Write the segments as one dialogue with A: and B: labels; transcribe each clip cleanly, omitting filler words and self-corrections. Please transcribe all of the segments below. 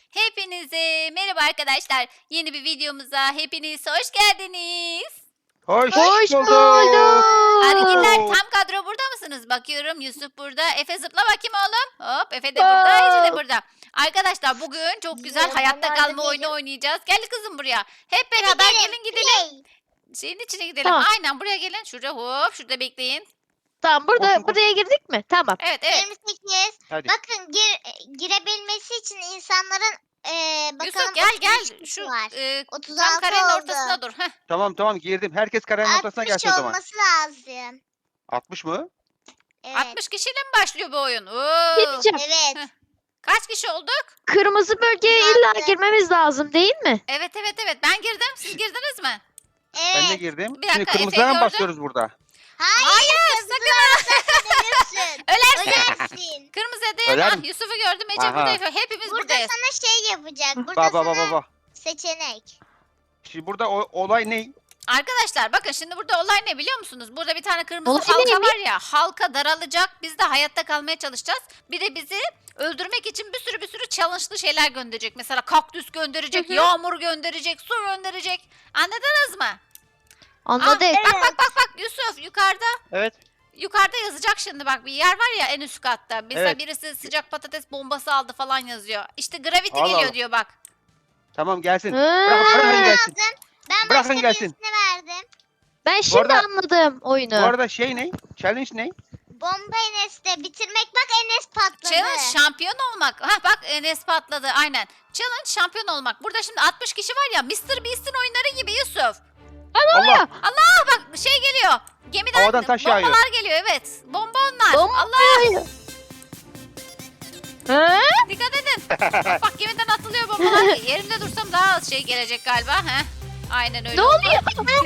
A: Hepinize merhaba arkadaşlar. Yeni bir videomuza hepiniz hoş geldiniz.
B: Hoş
C: Hoş
B: bulduk.
C: bulduk.
A: Arıgiller tam kadro burada mısınız? Bakıyorum Yusuf burada. Efe zıpla bakayım oğlum. Hop Efe de burada, Ece de burada. Arkadaşlar bugün çok güzel hayatta kalma oyunu oynayacağız. Gel kızım buraya. Hep beraber gelin gidelim. Şeyin içine gidelim.
C: Tamam.
A: Aynen buraya gelin. Şurada hop şurada bekleyin.
C: Tamam
B: Koşun.
C: buraya girdik mi? Tamam.
A: Evet evet.
D: 28.
B: Hadi.
D: Bakın girebilmesi için insanların bakalım
A: Yusuf gel gel.
D: 33
A: Şu
D: var.
A: tam
D: 36
A: karenin
D: oldu.
A: ortasına dur. Heh.
B: Tamam girdim. Herkes karenin ortasına
D: 60
B: gelsin o zaman.
D: olması lazım.
B: 60 mı?
D: Evet.
A: 60 kişiyle mi başlıyor bu oyun? Oo.
C: Ne diyeceğim?
D: Evet.
A: Kaç kişi olduk?
C: Kırmızı bölgeye
D: Güzeldi.
C: illa girmemiz lazım değil mi?
A: Evet. Ben girdim. Siz girdiniz mi?
D: Evet.
B: Ben de girdim.
A: Bir dakika,
B: Şimdi
A: Efe'yi
B: kırmızıya mı
A: gördüm.
B: basıyoruz burada?
D: Hayır. Ölürsün.
A: Ölersin.
D: Ölersin.
A: Kırmızı değil.
B: Öler
A: Ah,
B: mi?
A: Yusuf'u gördüm. Ece
B: Aha.
A: burada. Efe. Hepimiz
D: Burada
A: buradayız.
D: sana şey yapacak. Burada
B: Baba
D: sana seçenek.
B: Şimdi burada olay ne?
A: Arkadaşlar bakın şimdi burada olay ne biliyor musunuz? Burada bir tane kırmızı
C: Olay
A: halka
C: neymiş?
A: var ya. Halka daralacak. Biz de hayatta kalmaya çalışacağız. Bir de bizi öldürmek için bir sürü challenge'lı şeyler gönderecek. Mesela kaktüs gönderecek,
C: Hı hı.
A: yağmur gönderecek, su gönderecek. Anladınız mı?
C: Anladık.
A: Bak Yusuf yukarıda.
B: Evet.
A: Yukarıda yazacak şimdi bak bir yer var ya en üst katta. Mesela
B: Evet.
A: birisi sıcak patates bombası aldı falan yazıyor. İşte gravity
B: Allah
A: geliyor
B: Allah.
A: diyor bak.
B: Tamam gelsin.
C: Hı.
B: Bırakın gelsin.
D: Ben
B: Bırakın
D: başka
B: gelsin.
D: birisine verdim.
C: Ben şimdi
B: arada-
C: anladım
B: Bu
C: oyunu.
B: arada şey ne? Challenge ne?
D: Bomba Enes'te bitirmek. Bak Enes patladı.
A: Challenge şampiyon olmak. Ha bak Enes patladı aynen. Challenge şampiyon olmak. Burada şimdi 60 kişi var ya Mr. Beast'in oyunları gibi Yusuf.
B: Allah.
A: Allah bak şey geliyor. Gemiden
B: Havadan taş
A: bombalar
B: yağıyor.
A: geliyor evet. Bomba onlar.
C: Bomba
A: Allah
C: Hı?
A: dikkat edin. bak gemiden atılıyor bombalar. Yerimde dursam daha az şey gelecek galiba. Heh. Aynen öyle
C: Ne
A: oldu.
C: oluyor?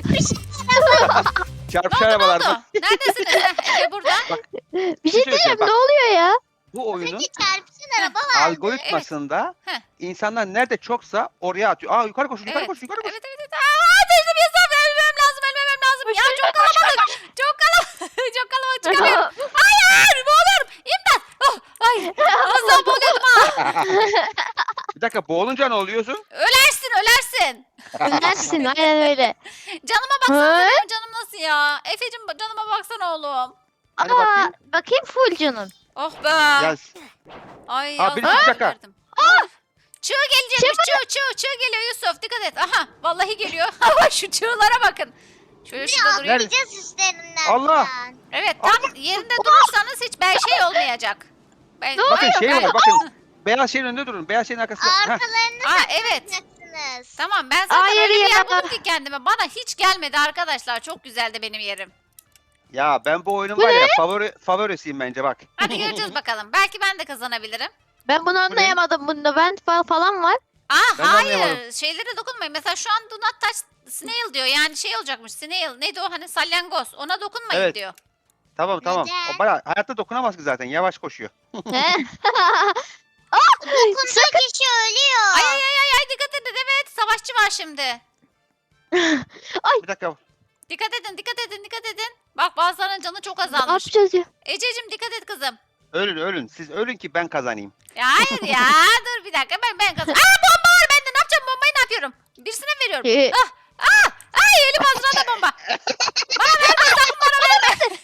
B: Çarpış
A: Ne
B: arabalar
A: oldu?
B: bak.
A: Neredesiniz? Heh, Efe burada.
C: Bir şey diyeceğim
B: bak.
C: ne oluyor ya?
B: Bu oyunun
D: Peki çarpışan araba vardı.
B: algoritmasında
A: Heh.
B: insanlar nerede çoksa oraya atıyor. Aa yukarı koş, yukarı
A: Evet.
B: koş, yukarı koş.
A: Evet. Aa teyzem Yusuf ölmem lazım. Ya çok kalabalık. Çok kalabalık çıkamıyorum. Hayır boğuluyorum. İmdat. Oh, ay. Az daha boğuluyordum ha.
B: Bir dakika boğulunca ne oluyorsun?
A: Ölersin.
C: Ölersin aynen öyle.
A: Canıma baksana
C: Hı?
A: benim canım nasıl ya? Efe'cim canıma baksana oğlum.
B: Hadi
C: Aa,
B: bakayım.
C: bakayım full canın.
A: Oh be.
B: Gel.
A: Ay
B: Aa,
A: az
B: birisi
A: daha
B: bir dakika.
A: verdim. Çığ gelecekmiş çığ geliyor Yusuf dikkat et. Aha vallahi geliyor. Şu çığlara bakın. Şöyle şurada durayım.
B: Nerede?
D: Atlayacağız üstlerinden.
B: Allah!
D: falan.
A: Evet tam yerinde durursanız hiç şey olmayacak. Ben...
B: Bakın şey
A: Ben-
B: var bakın. Beyaz şeyin önünde durun. Beyaz şeyin arkasında. Heh.
D: Arkalarını
A: Aa evet.
D: takacaksınız.
A: Tamam ben zaten
C: Hayır
A: öyle bir yer
C: ya.
A: buldum ki kendime. Bana hiç gelmedi arkadaşlar. Çok güzeldi benim yerim.
B: Ya ben bu oyunun
C: Bu
B: var ya
C: ne?
B: favorisiyim bence bak.
A: Hadi göreceğiz bakalım. Belki ben de kazanabilirim.
C: Ben bunu anlayamadım. Bunda vent falan var.
A: Aa
B: Ben de
A: hayır.
B: anlayamadım.
A: Şeylere dokunmayın. Mesela şu an do not touch snail diyor. Yani şey olacakmış. Snail. Neydi o hani salyangoz. Ona dokunmayın
B: Evet.
A: diyor.
B: Tamam.
D: Neden?
B: O bayağı hayatta dokunamaz ki zaten. Yavaş koşuyor.
C: He?
D: Dokunduğu kişi ölüyor.
A: Ay dikkat edin. Evet savaşçı var şimdi.
B: Bir dakika.
A: Dikkat edin. Bak bazılarının canı çok
C: Ne
A: azalmış.
C: yapacağız ya?
A: Ececiğim dikkat et kızım.
B: Ölün. Siz ölün ki ben kazanayım.
A: Ya hayır ya. Dur bir dakika ben kazan. Aa bomba var bende. Ne yapacağım bombayı ne yapıyorum? Birisine mi veriyorum? Ay elim ağzına da bomba. Bana verme sakın bana verme.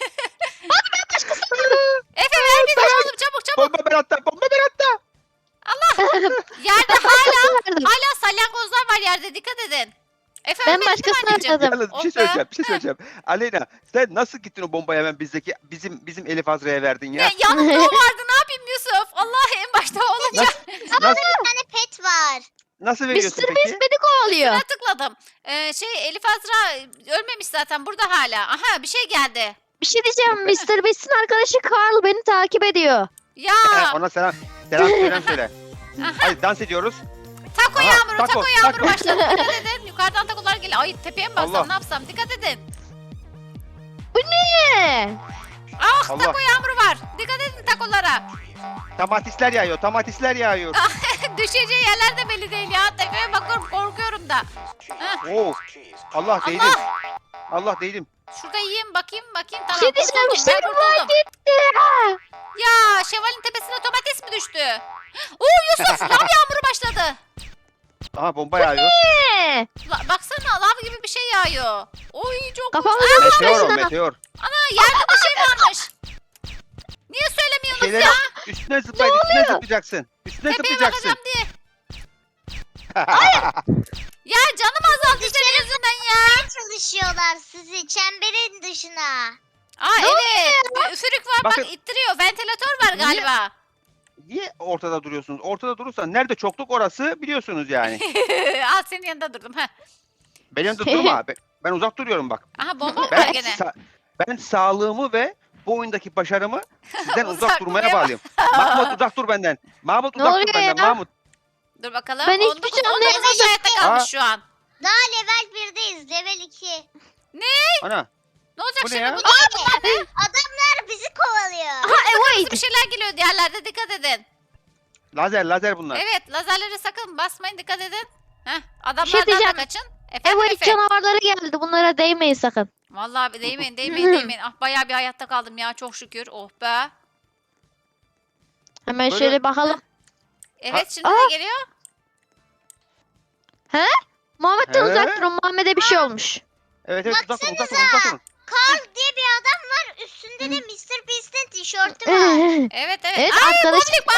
A: Efe ver bir de oğlum çabuk.
B: Bomba ben hatta.
A: Yerde hala
C: Verdim.
A: salyangozlar var yerde dikkat edin. Efe
C: Ben
A: ölmedin değil mi
C: başkasına
A: anneciğim?
C: verdim.
B: Yalnız bir şey
A: Oh be.
B: söyleyeceğim. Aleyna sen nasıl gittin o bombayı hemen bizim Elif Azra'ya verdin ya?
A: Ne, yanımda o vardı ne yapayım Yusuf? Allah en başta o olunca
B: Nasıl,
D: Bir tane pet var.
B: nasıl veriyorsun
C: Mr.
B: peki?
C: Beast beni kovalıyor.
A: üstüne tıkladım. Elif Azra ölmemiş zaten burada hala. Aha bir şey geldi.
C: Bir şey diyeceğim. Mr. Beast'in arkadaşı Carl beni takip ediyor.
A: Ya
B: Ona selam söyle.
A: aha,
B: Hadi dans ediyoruz.
A: tako
B: Aha,
A: yağmuru
B: tako.
A: başladı. Dikkat edin yukarıdan takolar geliyor. Ay tepeye mi baksam
B: Allah.
A: ne yapsam dikkat edin.
C: Ne?
A: Ah
B: Allah.
A: tako yağmuru var. Dikkat edin takolara.
B: Domatesler yağıyor.
A: Düşeceği yerler de belli değil ya. Tepeye bakıyorum korkuyorum da. Heh,
B: Oo. Allah değdim. Allah değdim.
A: şurada yiyeyim bakayım. Tamam
C: Bir şey diyeceğim.
A: kurtuldum, ben
C: Şevval
A: kurtuldum.
C: gitti.
A: Ya şevalin tepesine domates mi düştü? Oo Yusuf lav yağmuru başladı.
B: Aha bomba yağıyor.
A: Baksana lav gibi bir şey yağıyor. Oy çok
C: Kafamıza
B: Meteor o
C: düşmesin.
B: meteor.
A: yerde bir şey varmış. Niye söylemiyorsunuz
B: Şeyleri
A: ya?
B: üstüne zıplayın, üstüne zıplayacaksın. Üstüne
A: Tepeye
B: zıplayacaksın.
A: bakacağım diye. Ya canım azaldı senin yüzünden ya.
D: Çalışıyorlar sizi çemberin dışına.
A: Aa evet. Bir üfürük var
B: Bakın.
A: bak ittiriyor. Ventilatör var
B: Niye?
A: galiba.
B: Niye ortada duruyorsunuz? Ortada durursan nerede çokluk orası biliyorsunuz yani.
A: Al senin yanında durdum. Heh.
B: Benim yanımda durma. Ben uzak duruyorum bak.
A: Aha bomba mı var
B: Ben,
A: gene?
B: ben sağlığımı ve bu oyundaki başarımı sizden uzak
A: Uzak
B: durmaya
A: durmaya
B: bağlıyım. Mahmut uzak dur benden. Mahmut
C: Ne
B: uzak dur
C: oluyor
B: benden.
C: ya?
B: Mahmut.
A: Dur bakalım.
C: Ben hiçbir
A: 19
C: şey anlayamadım.
A: hayatta kalmış şu an.
D: Daha level 1'deyiz level 2.
B: Ana.
A: Ne olacak
B: Bu ne
A: şimdi
B: ya?
A: bunlar?
D: Adamlar bizi kovalıyor.
A: Bir şeyler geliyor diğerlerde dikkat edin.
B: Lazer bunlar.
A: Evet lazerlere sakın basmayın dikkat edin. Heh, adamlardan
C: şey
A: da
C: diyeceğim.
A: kaçın. Efendim
C: Evet
A: Efe.
C: canavarları geldi. Bunlara değmeyin sakın.
A: Vallahi bir değmeyin. Ah bayağı bir hayatta kaldım ya çok şükür. Oh be.
C: Hemen
B: Böyle-
C: şöyle bakalım.
A: Evet şimdi
C: Aa.
A: ne geliyor?
C: Muhammed'den
B: He?
C: uzak durun. Muhammed'e bir şey olmuş.
B: Evet uzak durun uzak durun.
D: Carl diye bir adam var. Üstünde de Mr. Beast'in tişörtü var.
A: Evet.
C: Evet
A: Ay
C: arkadaş.
A: boblik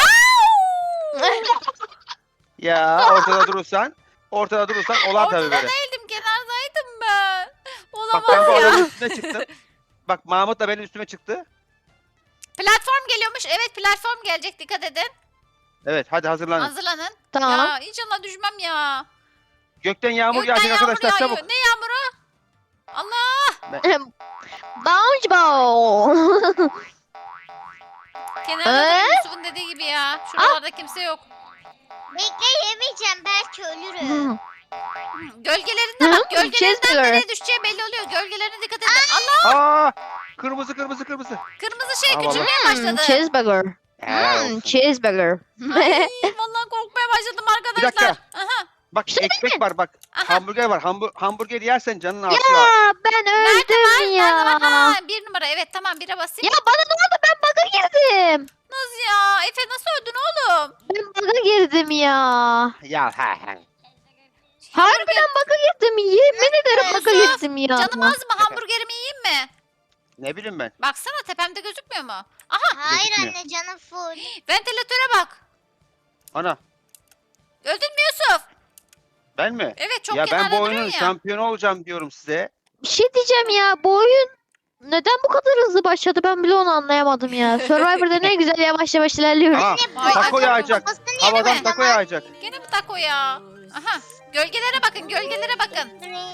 B: Ya ortada durursan olar tabii
A: Ortada
B: böyle.
A: değildim kenardaydım ben.
B: Bak ben bu
A: Olamaz ya.
B: adamın üstüne çıktım. Bak Mahmut da benim üstüme çıktı.
A: Platform geliyormuş. Evet platform gelecek dikkat edin.
B: Evet hadi hazırlanın.
A: Hazırlanın.
C: Tamam.
A: Ya inşallah düşmem ya.
B: Gökten yağmur
A: Gökten
B: yağacak
A: yağmur
B: arkadaşlar
A: yağıyor.
B: çabuk.
A: Ne yağmuru? Allah.
C: Bounce ball.
A: Kenarda da Yusuf'un dediği gibi ya. Şuralarda kimse yok.
D: Bekle yemeyeceğim belki ölürüm.
A: Gölgelerinde
C: Hı,
A: bak. Gölgelerinden
C: Cheeseburger.
A: nereye düşeceği belli oluyor. Gölgelerine dikkat edin. Allah.
B: Aa! Kırmızı.
A: Kırmızı şey
B: Aa,
A: küçülmeye başladı.
C: Cheeseburger.
B: Helal olsun.
C: Cheeseburger.
A: Ay vallahi korkmaya başladım
B: Bir
A: arkadaşlar.
B: dakika.
A: Aha.
B: Bak
C: İşte
B: ekmek var bak.
A: Aha.
B: Hamburger var. Hamburger yersen canın artıyor.
C: Ya ben öldüm ya.
A: Aha, bir numara. Evet tamam bire basayım.
C: Ya bana ne oldu? Ben bug'a girdim.
A: Nasıl ya? Efe nasıl öldün oğlum?
C: Ben bug'a girdim ya.
B: Ya ha.
C: Harbiden bug'a girdim. Yemin ederim bug'a
A: Yusuf,
C: girdim ya.
A: Canım az mı? Hamburgerimi yiyeyim mi?
B: Ne bileyim ben.
A: Baksana tepemde gözükmüyor mu?
D: Hayır
B: Gözükmüyor.
D: anne canım full.
A: Ventilatöre bak.
B: Ana
A: Öldün mü Yusuf?
B: ben mi?
A: Evet çok
B: Ya ben
A: kenarda
B: bu
A: duruyorsun
B: oyunun
A: ya.
B: şampiyonu olacağım diyorum size.
C: Bir şey diyeceğim ya. Bu oyun neden bu kadar hızlı başladı? Ben bile onu anlayamadım ya. Survivor'da ne güzel yavaş yavaş ilerliyoruz.
B: Aa,
A: Vay,
B: taco
A: acaba
B: yağacak.
D: Kafasını
B: Havadan
D: yemedim
B: taco
D: ama.
B: yağacak.
A: Gene mi taco ya? Aha. Gölgelere bakın gölgelere bakın.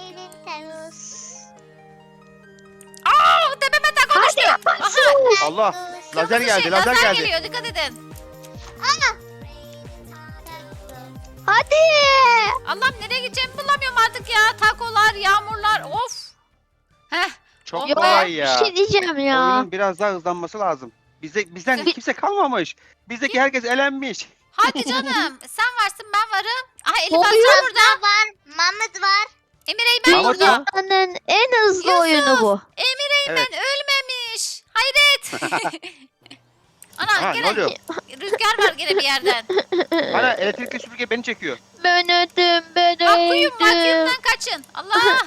A: Aa tepeme taco düştü. Aha.
B: Allah. Lazer
A: Kırmızı
B: geldi,
A: şey,
B: lazer geldi.
A: geliyor dikkat edin.
C: Hadi.
A: Allah'ım nereye gideceğimi bulamıyorum artık ya. Takolar, yağmurlar of. Heh.
B: Çok
A: Ya,
B: kolay
C: Bir
B: ya.
C: şey diyeceğim ya.
B: Oyunun biraz daha hızlanması lazım. Bizden
C: Bir-
B: kimse kalmamış. Bizdeki herkes elenmiş.
A: Hadi canım. Sen varsın ben varım. Aha Elif
C: Oluyor.
A: Azra burada.
D: Burada var. Mahmut var.
A: Emir Eymen
B: Mahmut
A: burada.
B: ya.
C: Dünyanın en hızlı
A: Yusuf.
C: oyunu bu.
A: Emir Eymen
B: Evet.
A: ölmemiş. Hayret. Ana
B: Ha, ne
A: gene
B: oluyor?
A: rüzgar var gene bir yerden.
B: Bana elektrikli süpürge beni çekiyor.
C: Ben öldüm. Ben
A: Vakyum
C: öldüm.
A: vakyumdan kaçın. Allah.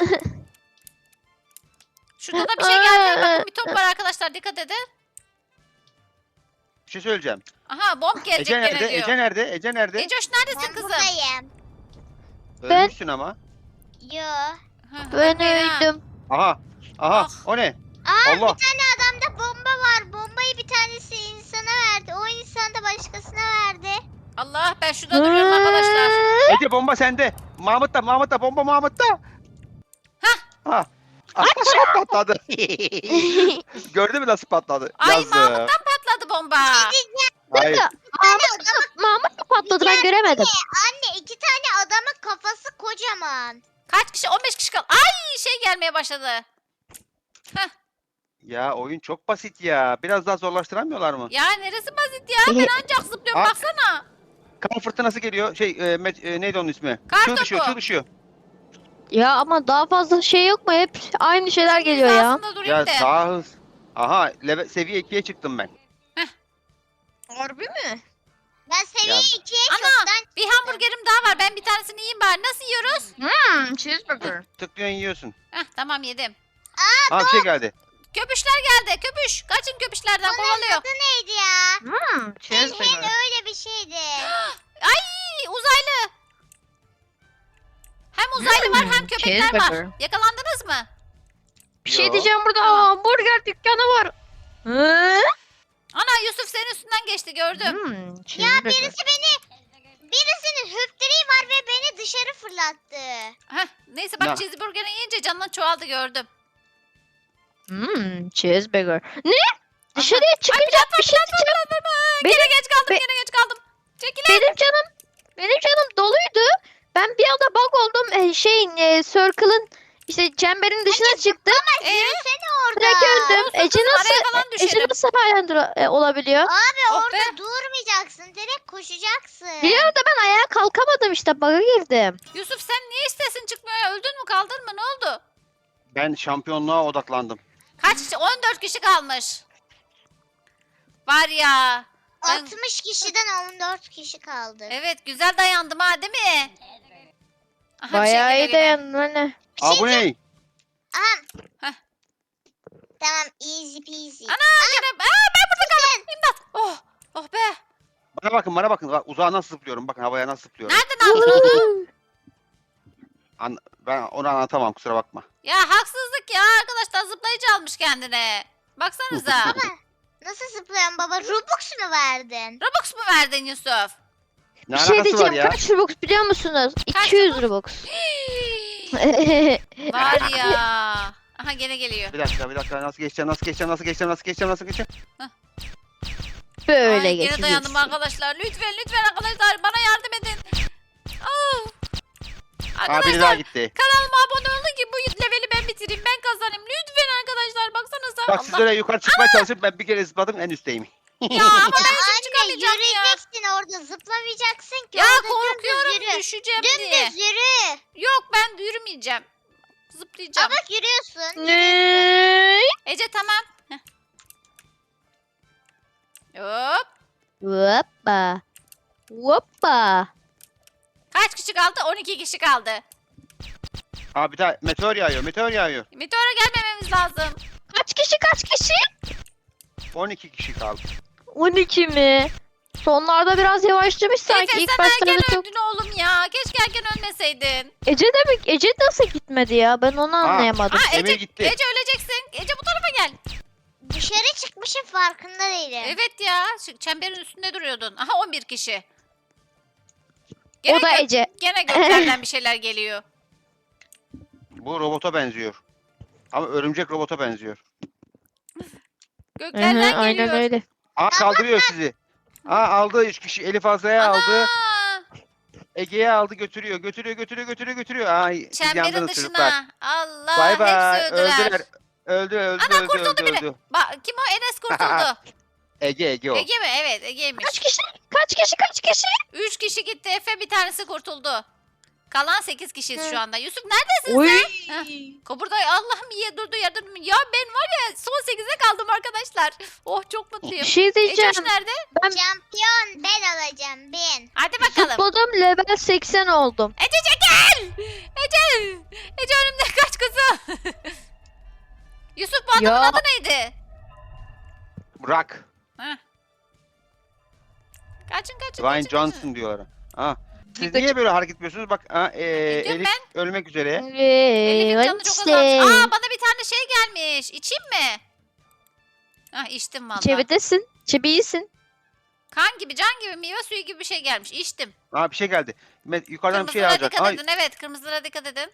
A: Şurada da bir şey geldi. Bakın bir top var arkadaşlar dikkat edin.
B: Bir şey söyleyeceğim.
A: Aha bomb gelecek
B: Ece
A: gene
B: nerede?
A: diyor.
B: Ece nerede? Ece nerede?
A: Ecoş neredesin
D: Ben
A: kızım?
D: buradayım.
C: Ben-
B: Ölmüşsün ama.
D: Yo.
A: Ha,
C: Ben
A: ölmeyin ha.
C: öldüm.
B: Aha.
A: Ah.
B: O ne?
D: Aa
B: Allah.
D: bir tane adamda bomba var. Bombayı bir tanesi insana verdi. O insan da başkasına verdi.
A: Allah ben şurada duruyorum arkadaşlar.
B: Ece bomba sende. Mahmut'ta bomba Mahmut'ta. Ha. Patladı. Gördün mü nasıl patladı?
A: Ay
B: Yazık.
A: Mahmut'tan patladı bomba.
B: Hayır.
C: Mahmut mu patladı ben göremedim.
D: Anne 2 tane adamın kafası kocaman.
A: Kaç kişi? 15 kişi kaldı. Ay şey gelmeye başladı.
B: Ya oyun çok basit ya. Biraz daha zorlaştıramıyorlar mı?
A: Ya neresi basit ya? Ben ancak zıplıyorum
B: Ah.
A: baksana.
B: Kar fırtınası geliyor. Neydi onun ismi?
A: Kar
B: Çığ düşüyor,
A: topu.
B: çığ düşüyor.
C: Ya ama daha fazla şey yok mu? Hep aynı şeyler geliyor ya.
A: Hizasında durayım
B: Ya
A: da.
B: daha hız. Aha, seviye 2'ye çıktım ben.
C: Harbi mi?
D: Ben seviye
B: Ya-
D: 2'ye
A: Ana
D: çoktan
A: bir hamburgerim daha var. Ben bir tanesini yiyeyim bari.
C: cheeseburger.
B: Tıklıyorsun yiyorsun.
A: Heh, tamam yedim.
B: Aa bir şey geldi.
A: Köpüşler geldi. Köpüş. Kaçın köpüşlerden kovalıyor.
D: Adı neydi ya?
C: Hmm, cheeseburger.
D: Öyle bir şeydi.
A: Ay uzaylı. Hem uzaylı var hem köpekler var.
C: cheeseburger.
A: Yakalandınız mı?
C: Bir şey
B: Yo.
C: diyeceğim, burada hamburger dükkanı var. Hı?
A: Ana Yusuf senin üstünden geçti gördüm.
C: Cheeseburger.
D: Birisinin hüptüreği var ve beni dışarı fırlattı.
A: Heh, neyse bak
B: Na-
A: cheeseburger'ı yiyince canın çoğaldı gördüm.
C: Cheeseburger. Ne? Dışarıya çıkınca bir şey diyeceğim.
A: Gene geç kaldım
C: be-
A: gene geç kaldım. Çekilin.
C: Benim canım doluydu. Ben bir anda bug oldum. Circle'ın işte çemberin dışına çıktım.
D: Yürüsene orada.
C: Direkt öldüm.
A: Olsun
C: Ece
A: kızım,
C: nasıl
A: araya falan
C: Ece
A: düşerim.
C: nasıl olabiliyor?
D: Abi
A: Oh
D: orada
A: be.
D: durmayacaksın. Direkt koşacaksın.
C: Biliyorum da ben ayağa kalkamadım, işte bug'a girdim.
A: Yusuf sen niye istesin çıkmıyor ya? Öldün mü kaldın mı ne oldu?
B: Ben şampiyonluğa odaklandım.
A: Kaç kişi? 14 kişi kalmış. Var ya. Ben-
D: 60 kişiden 14 kişi kaldı.
A: Evet güzel dayandım ha değil mi? Aha, bir şey
C: Bayağı
A: geliyor
C: iyi
A: yine.
C: dayandın anne.
B: Aa bu ne?
D: Aha.
A: Heh.
D: Tamam easy peasy.
A: Gene, ben burada kaldım. İmdat. Oh. Oh be.
B: Bana bakın. Bak, uzağa nasıl zıplıyorum. Bakın havaya nasıl zıplıyorum.
A: Nereden aldın onu?
B: Ben onu anlatamam kusura bakma.
A: Ya haksızlık ya arkadaşlar zıplayıcı almış kendine. Baksanıza.
D: Baba nasıl zıplıyorsun baba? Robux mu verdin?
A: Robux mu verdin Yusuf?
B: Ne
C: Bir şey
B: alakası var
C: diyeceğim,
B: ya?
C: kaç Robux biliyor musunuz?
A: Kaç
C: 200 Robux.
A: Var ya. Aha gene geliyor.
B: Bir dakika nasıl geçeceğim?
C: Böyle
A: Ay, gene
C: geçecek.
A: dayandım arkadaşlar. Lütfen arkadaşlar bana yardım edin. Oh.
B: Aa biri daha
A: Arkadaşlar
B: gitti.
A: kanalıma abone olun ki bu leveli ben bitireyim. Ben kazanayım. Lütfen arkadaşlar baksanıza.
B: Bak siz oraya yukarı çıkmaya çalışıp ben bir kere zıpladım en üstteyim.
A: Ya ama ben şimdi
D: Anne
A: çıkamayacağım ya.
D: yürüyeceksin orada zıplamayacaksın ki.
A: Ya
D: orada
A: korkuyorum
D: dümdüz yürü.
A: düşeceğim diye.
D: Dümdüz yürü.
A: Yok ben yürümeyeceğim. Zıplayacağım.
D: Aa bak yürüyorsun.
C: Ne?
A: Ece tamam. Heh. Hop.
C: Hoppa. Hoppa.
A: Kaç kişi kaldı? 12 kişi kaldı.
B: Aa bir daha meteor yağıyor.
A: Meteora gelmememiz lazım.
C: Kaç kişi?
B: 12 kişi kaldı.
C: 12 mi? Sonlarda biraz yavaşlamış sanki.
A: Efe
C: İlk
A: sen
C: başlarda
A: erken
C: çok.
A: öldün oğlum ya. Keşke erken ölmeseydin.
C: Ece nasıl gitmedi ya? Ben onu anlayamadım.
A: Aa,
B: Emir gitti.
A: Ece öleceksin. Ece bu tarafa gel.
D: Dışarı çıkmışım farkında değilim.
A: Evet ya. Şu çemberin üstünde duruyordun. Aha 11 kişi.
C: O da Ece.
A: Gene göklerden bir şeyler geliyor.
B: Bu robota benziyor. Ama örümcek robota benziyor.
A: Göklerden
C: Hı hı,
A: geliyor.
C: aynen öyle.
B: Aa kaldırıyor sizi. Aa aldı 3 kişi. Elif Azra'ya aldı.
A: Ana!
B: Ege'ye aldı götürüyor. Ay siz
A: Çemberin
B: yandınız çocuklar.
A: dışına. Allah
B: Bay bay.
A: hepsi öldüler.
B: Öldü.
A: Bak kim o? Enes kurtuldu.
B: Ege o.
A: Ege mi? Evet Ege'ymiş.
C: Kaç kişi?
A: 3 kişi gitti Efe bir tanesi kurtuldu. Kalan 8 kişiyiz şu anda. Yusuf neredesin
C: Oy.
A: sen? Burada Allah'ım iyi durdu ya durdu. Ya ben var ya son 8'e kaldım arkadaşlar. Oh çok
C: Bir
A: mutluyum.
C: şey diyeceğim.
A: Ece nerede?
D: Şampiyon ben olacağım ben.
A: Hadi bakalım.
C: Zıpladım, level 80 oldum.
A: Ece çekil. Ece önümden kaç kızım. Yusuf bu adamın
C: Ya.
A: adı neydi?
B: Rock.
A: Heh. Kaçın.
B: Dwayne Johnson diyorlar. Ha. Siz
C: Birkaç-
B: niye böyle hareket ediyorsunuz? Bak
A: Gidiyorum
B: Elif ölmek üzere.
A: Elif'in canı çok
C: Wednesday.
A: azalmış. Aa bana bir tane şey gelmiş. İçeyim mi? Ah içtim valla.
C: Çevidesin. Çebiyisin.
A: Kan gibi, can gibi, meyve suyu gibi bir şey gelmiş. İçtim.
B: Aa bir şey geldi. Yukarıdan bir şey
A: Kırmızılara
B: alacak.
A: dikkat
B: Ay,
A: edin. Evet kırmızılara dikkat edin.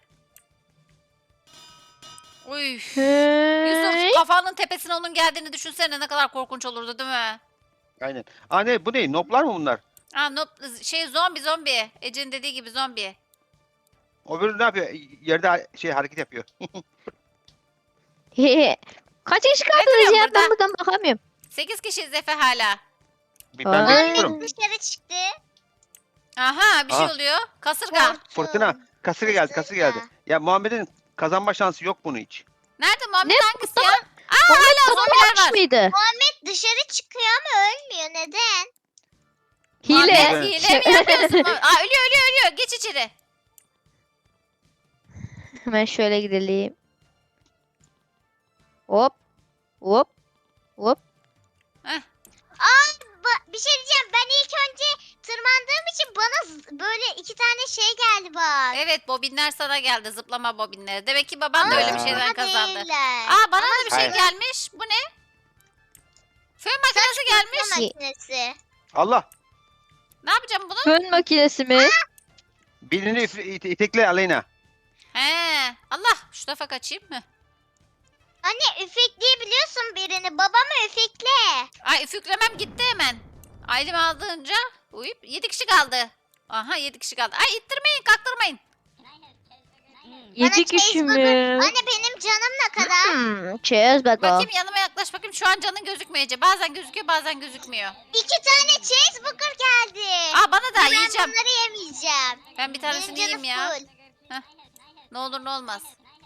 A: Uy.
C: Hey.
A: Yusuf kafanın tepesine onun geldiğini düşünsene ne kadar korkunç olurdu değil mi?
B: aynen. Aa ne bu ne? Noplar mı bunlar?
A: Aa, zombi. Ece'nin dediği gibi zombi.
B: Öbürü ne yapıyor? Yerde hareket yapıyor.
C: Kaç kişi
A: duruyorsun
C: kaldınız ya?
A: burada?
C: Ben buradan bakamıyorum.
A: 8 kişiyiz Efe hala.
B: Ben
C: Ay.
B: bekliyorum.
D: Dışarı çıktı.
A: Aha bir şey
B: Aa.
A: oluyor. Kasırga.
D: Korktum.
B: Fırtına. Kasırga geldi. Ya Muhammed'in kazanma şansı yok bunun hiç.
A: Nerede Muhammed
C: Ne?
A: hangisi ya? Aa hala zombiler
C: Kaç
A: var.
C: mıydı?
D: Dışarı çıkıyor ama ölmüyor. Neden?
C: Hile.
A: Muhammed hile mi yapıyorsun? Aa ölüyor. Geç içeri.
C: Hemen şöyle gidelim. Hop. Hop. Hop.
A: Heh.
D: Bir şey diyeceğim. Ben ilk önce tırmandığım için bana böyle 2 tane şey geldi bak.
A: Evet, bobinler sana geldi. Zıplama bobinleri. Demek ki baban da öyle bir
B: Aa.
A: şeyden
D: Ama
A: kazandı.
D: değiller.
A: Aa, bana da bir şey
B: Hayır.
A: gelmiş. Bu ne? Fön makinesi gelmiş.
D: Kurutma makinesi.
B: Allah.
A: Ne yapacağım bunu?
C: Fön makinesi mi?
B: Birini itekle Aleyna.
A: He. Allah, şu tarafa kaçayım. Heh.
D: Anne üfekleyebiliyorsun birini. Babamı üfekle.
A: Ay, üfüklemem gitti hemen. Ailemi aldığınca uyup 7 kişi kaldı. Aha, 7 kişi kaldı. Ay, ittirmeyin, kaktırmayın.
C: 7 kişi
D: cheeseburger-
C: mi?
D: Anne benim canım ne kadar?
C: Cheeseburger.
A: Bakayım, yanıma yaklaş bakayım. Şu an canın gözükmüyor Ece. Bazen gözüküyor, bazen gözükmüyor.
D: 2 tane cheeseburger geldi.
A: Aa, bana da
D: ben
A: yiyeceğim.
D: bunları yemeyeceğim.
A: Ben bir
D: Benim
A: tanesini
D: canım
A: yiyeyim ya.
D: full.
A: Ne olur ne olmaz.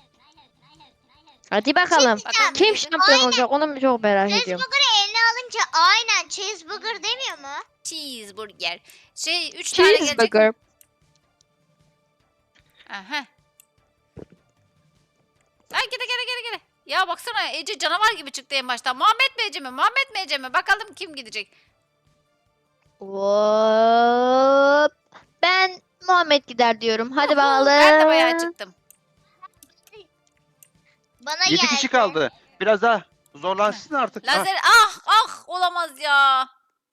C: Hadi bakalım.
A: Bakalım
C: Kim
A: neydi?
C: şampiyon
D: Aynen.
C: olacak onu çok merak ediyorum.
D: Cheeseburger'ı eline alınca aynen cheeseburger demiyor mu?
A: Cheeseburger. 3 tane gelecek.
C: Cheeseburger.
A: Aha. Ay, gele. Ya baksana, Ece canavar gibi çıktı en başta. Muhammed mi Ece mi? Muhammed mi Ece mi? Bakalım kim gidecek.
C: Hop. Ben Muhammed gider diyorum. Hadi bakalım.
A: Ben de bayağı çıktım.
D: Bana
B: 7
D: geldi.
B: kişi kaldı. Biraz daha zorlansın artık. Ha,
A: Lazer olamaz ya.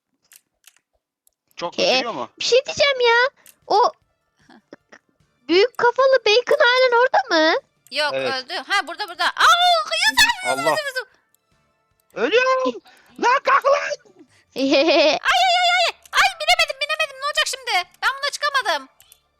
B: çok
C: Ke-
B: götürüyor mu?
C: Bir şey diyeceğim ya. O büyük kafalı bacon halen orada mı?
A: Yok,
B: Evet.
A: öldü. Ha, burada.
B: Allah. Ölüyorum. Lan kalk lan.
A: Ay, binemedim. Ne olacak şimdi? Ben buna çıkamadım.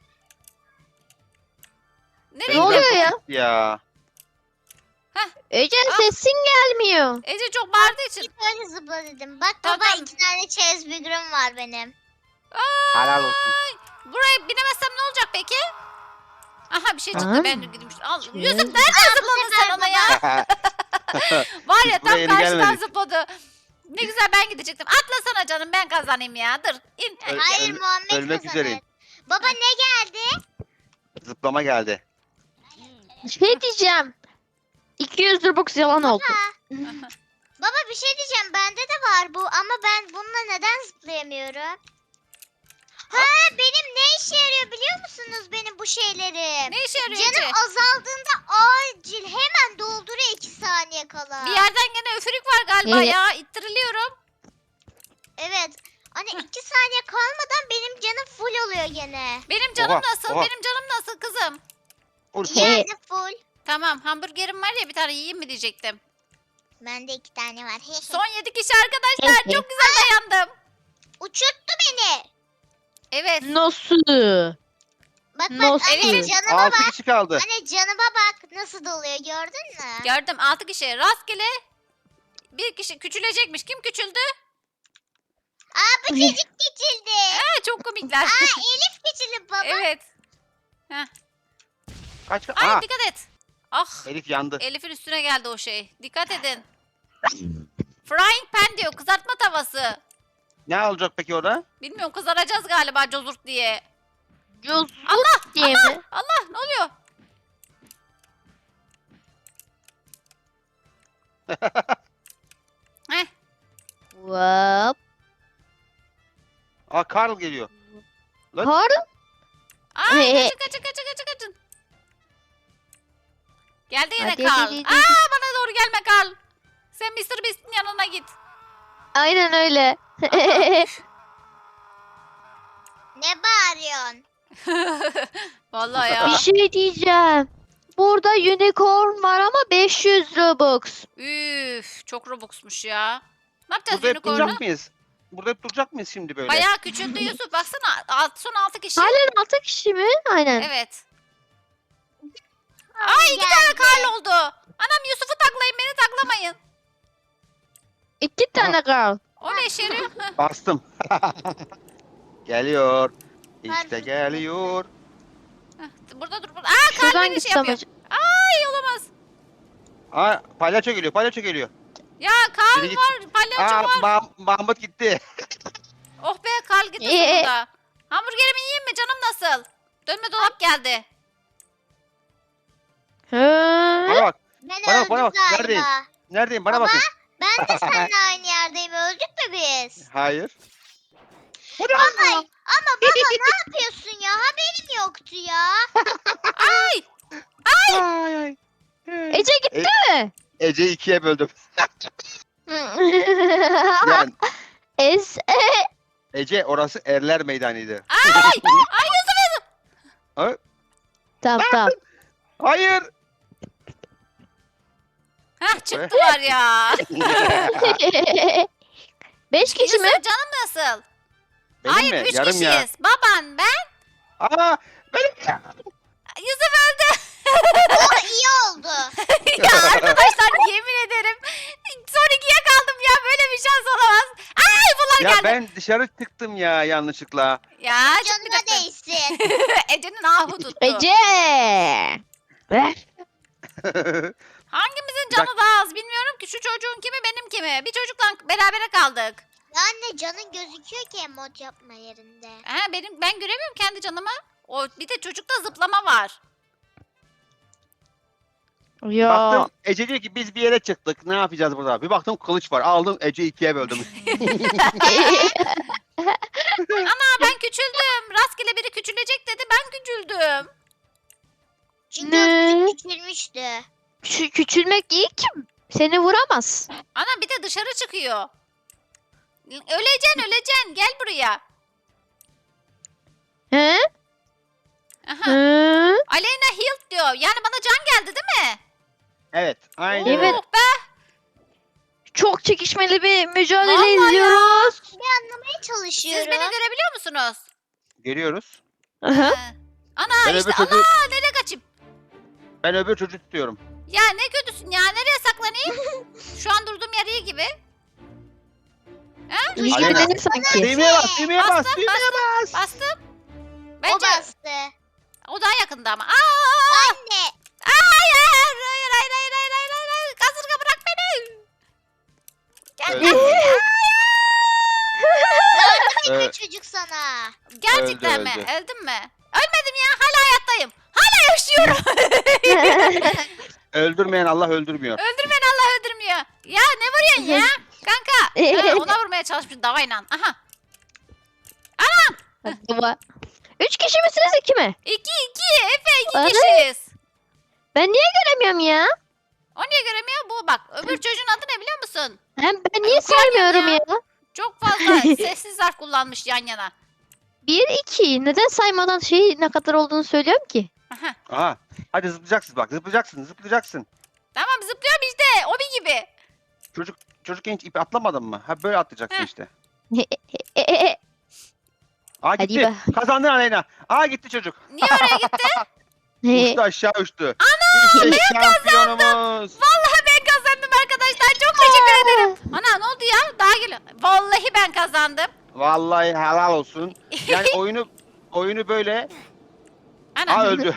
A: Nereye
C: Ne
A: gidiyor?
C: oluyor ya?
B: Ya.
C: Ece'nin sesin gelmiyor.
A: Ece çok bağırdığı için.
D: Böyle zıpla dedim. Bak
A: Tamam,
D: baba
A: tamam.
D: 2 tane cheeseburger'ım var benim.
B: Helal olsun.
A: Buraya binemezsem ne olacak peki? Aha, bir şey çıktı.
C: Aa.
A: Ben gideyim. Al,
C: Şey-
A: Yusuf nereden zıpladın sen ona ya? Var ya,
B: Biz
A: tam
B: buraya yeni
A: karşıdan
B: gelmedik.
A: zıpladı. Ne güzel, ben gidecektim. Atlasana canım, ben kazanayım ya. Dur, in.
B: Öl-
D: Hayır
B: öl-
D: Muhammed
B: ölmek
D: kazanır.
B: üzereyim.
D: Baba ne geldi?
B: Zıplama geldi.
C: Şey diyeceğim. 200 Robux yalan oldu.
D: Baba bir şey diyeceğim. Bende de var bu ama ben bununla neden zıplayamıyorum? Ha benim ne işe yarıyor biliyor musunuz benim bu şeylerim?
A: Ne işe yarıyor Ece?
D: Canım azaldığında acil hemen dolduruyor 2 saniye kala.
A: Bir yerden gene üfürük var galiba
C: Evet.
A: ya. İttiriliyorum.
D: Evet. Hani 2 saniye kalmadan benim canım full oluyor gene.
A: Benim canım
B: Oha,
A: nasıl?
B: oha.
A: Benim canım nasıl kızım?
B: Urfa.
C: He.
D: Yani full.
A: Tamam, hamburgerim var ya, bir tane yiyeyim mi diyecektim.
D: Bende 2 tane var.
A: Son 7 kişi arkadaşlar. Çok güzel dayandım.
D: Uçurttu beni.
A: Evet.
C: Nasıl?
D: Bak
C: Nasıl?
D: anne
A: Evet.
D: canıma
B: 6
D: bak.
B: kişi kaldı.
D: Anne canıma bak nasıl doluyor gördün mü?
A: Gördüm, 6 kişi. Rastgele bir kişi küçülecekmiş. Kim küçüldü?
D: Aa bu çocuk küçüldü.
A: Ha, çok komikler.
D: Aa Elif küçüldü baba.
A: Evet.
B: Kaç?
A: Ay,
B: Aa,
A: dikkat et. Ah,
B: Elif yandı.
A: Elif'in üstüne geldi o şey. Dikkat edin. Frying pan diyor, kızartma tavası.
B: Ne olacak peki orada?
A: Bilmiyorum, kızaracağız galiba cozurt diye.
C: Cozut
A: Allah,
C: diye mi?
A: Allah, ne oluyor? Heh,
C: Hop.
B: Aa Karl geliyor. Lan.
C: Karl.
A: ay, kaçın. Geldi yine
C: Hadi,
A: Karl.
C: hadi, hadi.
A: Aa, bana doğru gelme Karl. Sen Mr. Beast'in yanına git.
C: Aynen öyle.
D: Ne bağırıyorsun?
A: Vallahi
C: Bir
A: ya.
C: şey diyeceğim. Burada unicorn var ama 500 Robux.
A: Üf, çok Robux'muş ya. Ne yapacağız
B: Burada hep
A: unicorn'u?
B: duracak mıyız? Burada hep duracak mıyız şimdi böyle?
A: Bayağı küçüldü Yusuf. Baksana, son 6 kişi.
C: Halen 6 kişi mi? Aynen.
A: Evet. Ay, 2 tane
D: Geldi.
A: Karl oldu. Anam, Yusuf'u taklayın, beni taklamayın.
C: 2 tane Karl.
A: O ne işe yarıyor? Heh.
B: Bastım. Geliyor. İşte
D: Pardon.
B: geliyor.
A: Burada dur. Aa, Karl
C: Şuradan
A: beni şey
C: gitsem
A: yapıyor.
C: acaba.
A: Ay, olamaz.
B: Aa palyaço geliyor.
A: Ya Karl
B: Biri git-
A: var, palyaço
B: Aa
A: var.
B: Mahmut gitti.
A: Oh be, Karl gitti sonunda. Hamburgerimi yiyeyim mi? Canım nasıl? Dönme dolap geldi.
B: Bana bak.
D: Ben
B: Bana bak,
D: öldüm
B: bana bak.
D: galiba.
B: Neredeyim? Neredeyim? Bana
D: Baba.
B: bakın.
D: Ben de seninle aynı yerdeyim. Öldük mü biz?
B: Hayır.
D: Baba, ama baba ne yapıyorsun ya? Haberim yoktu ya.
B: Ay ay.
C: Ece gitti mi?
B: Ece'yi ikiye böldüm. Yani Ece orası erler meydanıydı.
A: Ay! Ay Yusuf!
B: Ha?
C: Tamam tamam.
B: Hayır.
A: Hah çıktılar ya.
C: 5 kişi mi?
A: Yusuf canım nasıl?
B: Benim
A: Hayır
B: mi?
A: 3
B: Yarım
A: kişiyiz.
B: ya.
A: Baban ben.
B: Aa, benim.
A: Yusuf öldü.
D: O iyi oldu.
A: Ya arkadaşlar yemin ederim. Son 2'ye kaldım ya. Böyle bir şans olamaz. Ay bunlar
B: Ya
A: geldi.
B: ben dışarı çıktım ya yanlışlıkla.
A: Ya
D: Canına
A: çıkmayacaktın.
D: değsin.
A: Ece'nin ahı tuttu.
C: Ece. Ver.
A: Hangimizin canı daha az bilmiyorum ki. Şu çocuğun kimi benim kimi. Bir çocukla berabere kaldık.
D: Ya anne canın gözüküyor ki emot yapma yerinde.
A: Ha, ben göremiyorum kendi canımı. O bir de çocukta zıplama var.
C: Ya.
B: Baktım Ece diyor ki biz bir yere çıktık. Ne yapacağız burada? Bir baktım kılıç var. Aldım Ece'yi ikiye böldüm.
A: Ana ben küçüldüm. Rastgele biri küçülecek dedi. Ben küçüldüm.
D: Çünkü
C: Ne?
D: o çocuk küçülmüştü.
C: Şu küçülmek iyi ki seni vuramaz.
A: Ana bir de dışarı çıkıyor. Öleceksin. Gel buraya.
C: He?
A: Aha.
C: Hı?
A: Aleyna healed diyor. Yani bana can geldi değil mi?
B: Evet. Aynen.
C: Evet.
A: Oh be.
C: Çok çekişmeli bir mücadele
A: Vallahi ya.
C: izliyoruz.
D: Anlamaya
A: Siz
D: çalışıyorum.
A: beni görebiliyor musunuz?
B: Görüyoruz.
C: Aha.
A: Ha. Ana
B: Ben
A: işte
B: öbür çocuğu,
A: ana nereye kaçayım?
B: ben öbür çocuğu tutuyorum.
A: Ya ne kötüsün ya nereye saklanayım? Şu an durduğum yer iyi gibi.
C: İyi
B: Aleyna.
C: gibi değil sanki.
B: Düğmeye bas, düğmeye bas,
A: Bastım,
B: düğmeye bas.
A: Bastım.
D: O
A: Bence
D: bastı.
A: o daha yakında ama. Aa!
D: Anne.
A: Hayır. Kasırga bırak beni. Gel
B: Öldü.
A: gel.
B: Ee,
D: Çocuk sana.
A: Gerçekten mi?
B: öldü.
A: Öldüm mü? Ölmedim ya. Hala hayattayım. Hala yaşıyorum.
B: öldürmeyen Allah öldürmüyor.
A: Öldürmeyen Allah öldürmüyor. Ya ne vuruyorsun ya? Kanka. Ha, ona vurmaya çalışmış davayla. Aha.
C: Baba. 3 kişi misiniz 2 mi?
A: 2. Efe 2
C: Ana.
A: kişiyiz.
C: Ben niye göremiyorum ya?
A: O niye göremiyor? Bu bak. Öbür çocuğun adı ne biliyor musun?
C: Hem ben niye
A: Yok, görmüyorum
C: saymıyorum
A: ya.
C: ya?
A: Çok fazla sessiz harf kullanmış yan yana.
C: 1 2. Neden saymadan ne kadar olduğunu söylüyorum ki?
A: Aha.
B: Aha. Hadi zıplayacaksın bak. Zıplayacaksın.
A: Tamam zıplıyorum işte. Obi gibi.
B: Çocuk genç ipi atlamadın mı? Ha böyle atlayacaksın
A: Heh.
B: işte.
C: E.
B: Aa
C: Hadi
B: gitti. Kazandın Aleyna. Aa gitti çocuk.
A: Niye oraya gitti?
B: Uçtu aşağı uçtu. Ana işte şampiyonumuz.
A: Vallahi ben kazandım arkadaşlar. Çok teşekkür ederim. Ana ne oldu ya? Daha geliyor. Vallahi ben kazandım.
B: Vallahi helal olsun. Yani oyunu böyle.
A: Ana.
B: Aa öldü.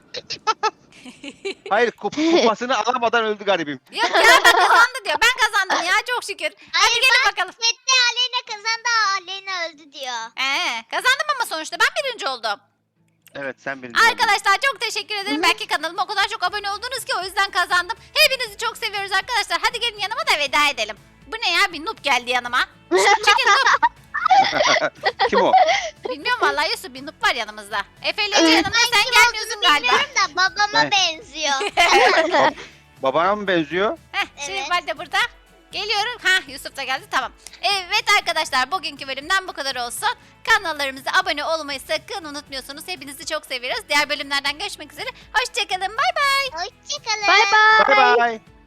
B: Hayır kupasını alamadan öldü garibim.
A: Yok ya ben kazandı diyor. Ben kazandım ya çok şükür. Hadi
D: Hayır,
A: gelin bakalım.
D: Sette Aleyna kazandı. Aleyna öldü diyor.
A: Kazandım ama sonuçta ben birinci oldum.
B: Evet sen birinci oldun.
A: Arkadaşlar çok teşekkür ederim. Belki kanalıma o kadar çok abone oldunuz ki o yüzden kazandım. Hepinizi çok seviyoruz arkadaşlar. Hadi gelin yanıma da veda edelim. Bu ne ya? Bir noob geldi yanıma. Çekil noob.
B: Kim o?
A: Bilmiyorum vallahi Yusuf bir noob var yanımızda. Efe ile Ece yanımda sen gelmiyorsun galiba.
D: Bilmiyorum da babama
B: Ne?
D: benziyor.
B: Babana mı benziyor?
A: Heh, şimdi
D: Evet.
A: ben de burada. Geliyorum. Yusuf da geldi tamam. Evet arkadaşlar bugünkü bölümden bu kadar olsun. Kanallarımıza abone olmayı sakın unutmuyorsunuz. Hepinizi çok seviyoruz. Diğer bölümlerden görüşmek üzere. Hoşçakalın. Bay bay.
D: Hoşçakalın.
C: Bye bye.
B: Bye bye.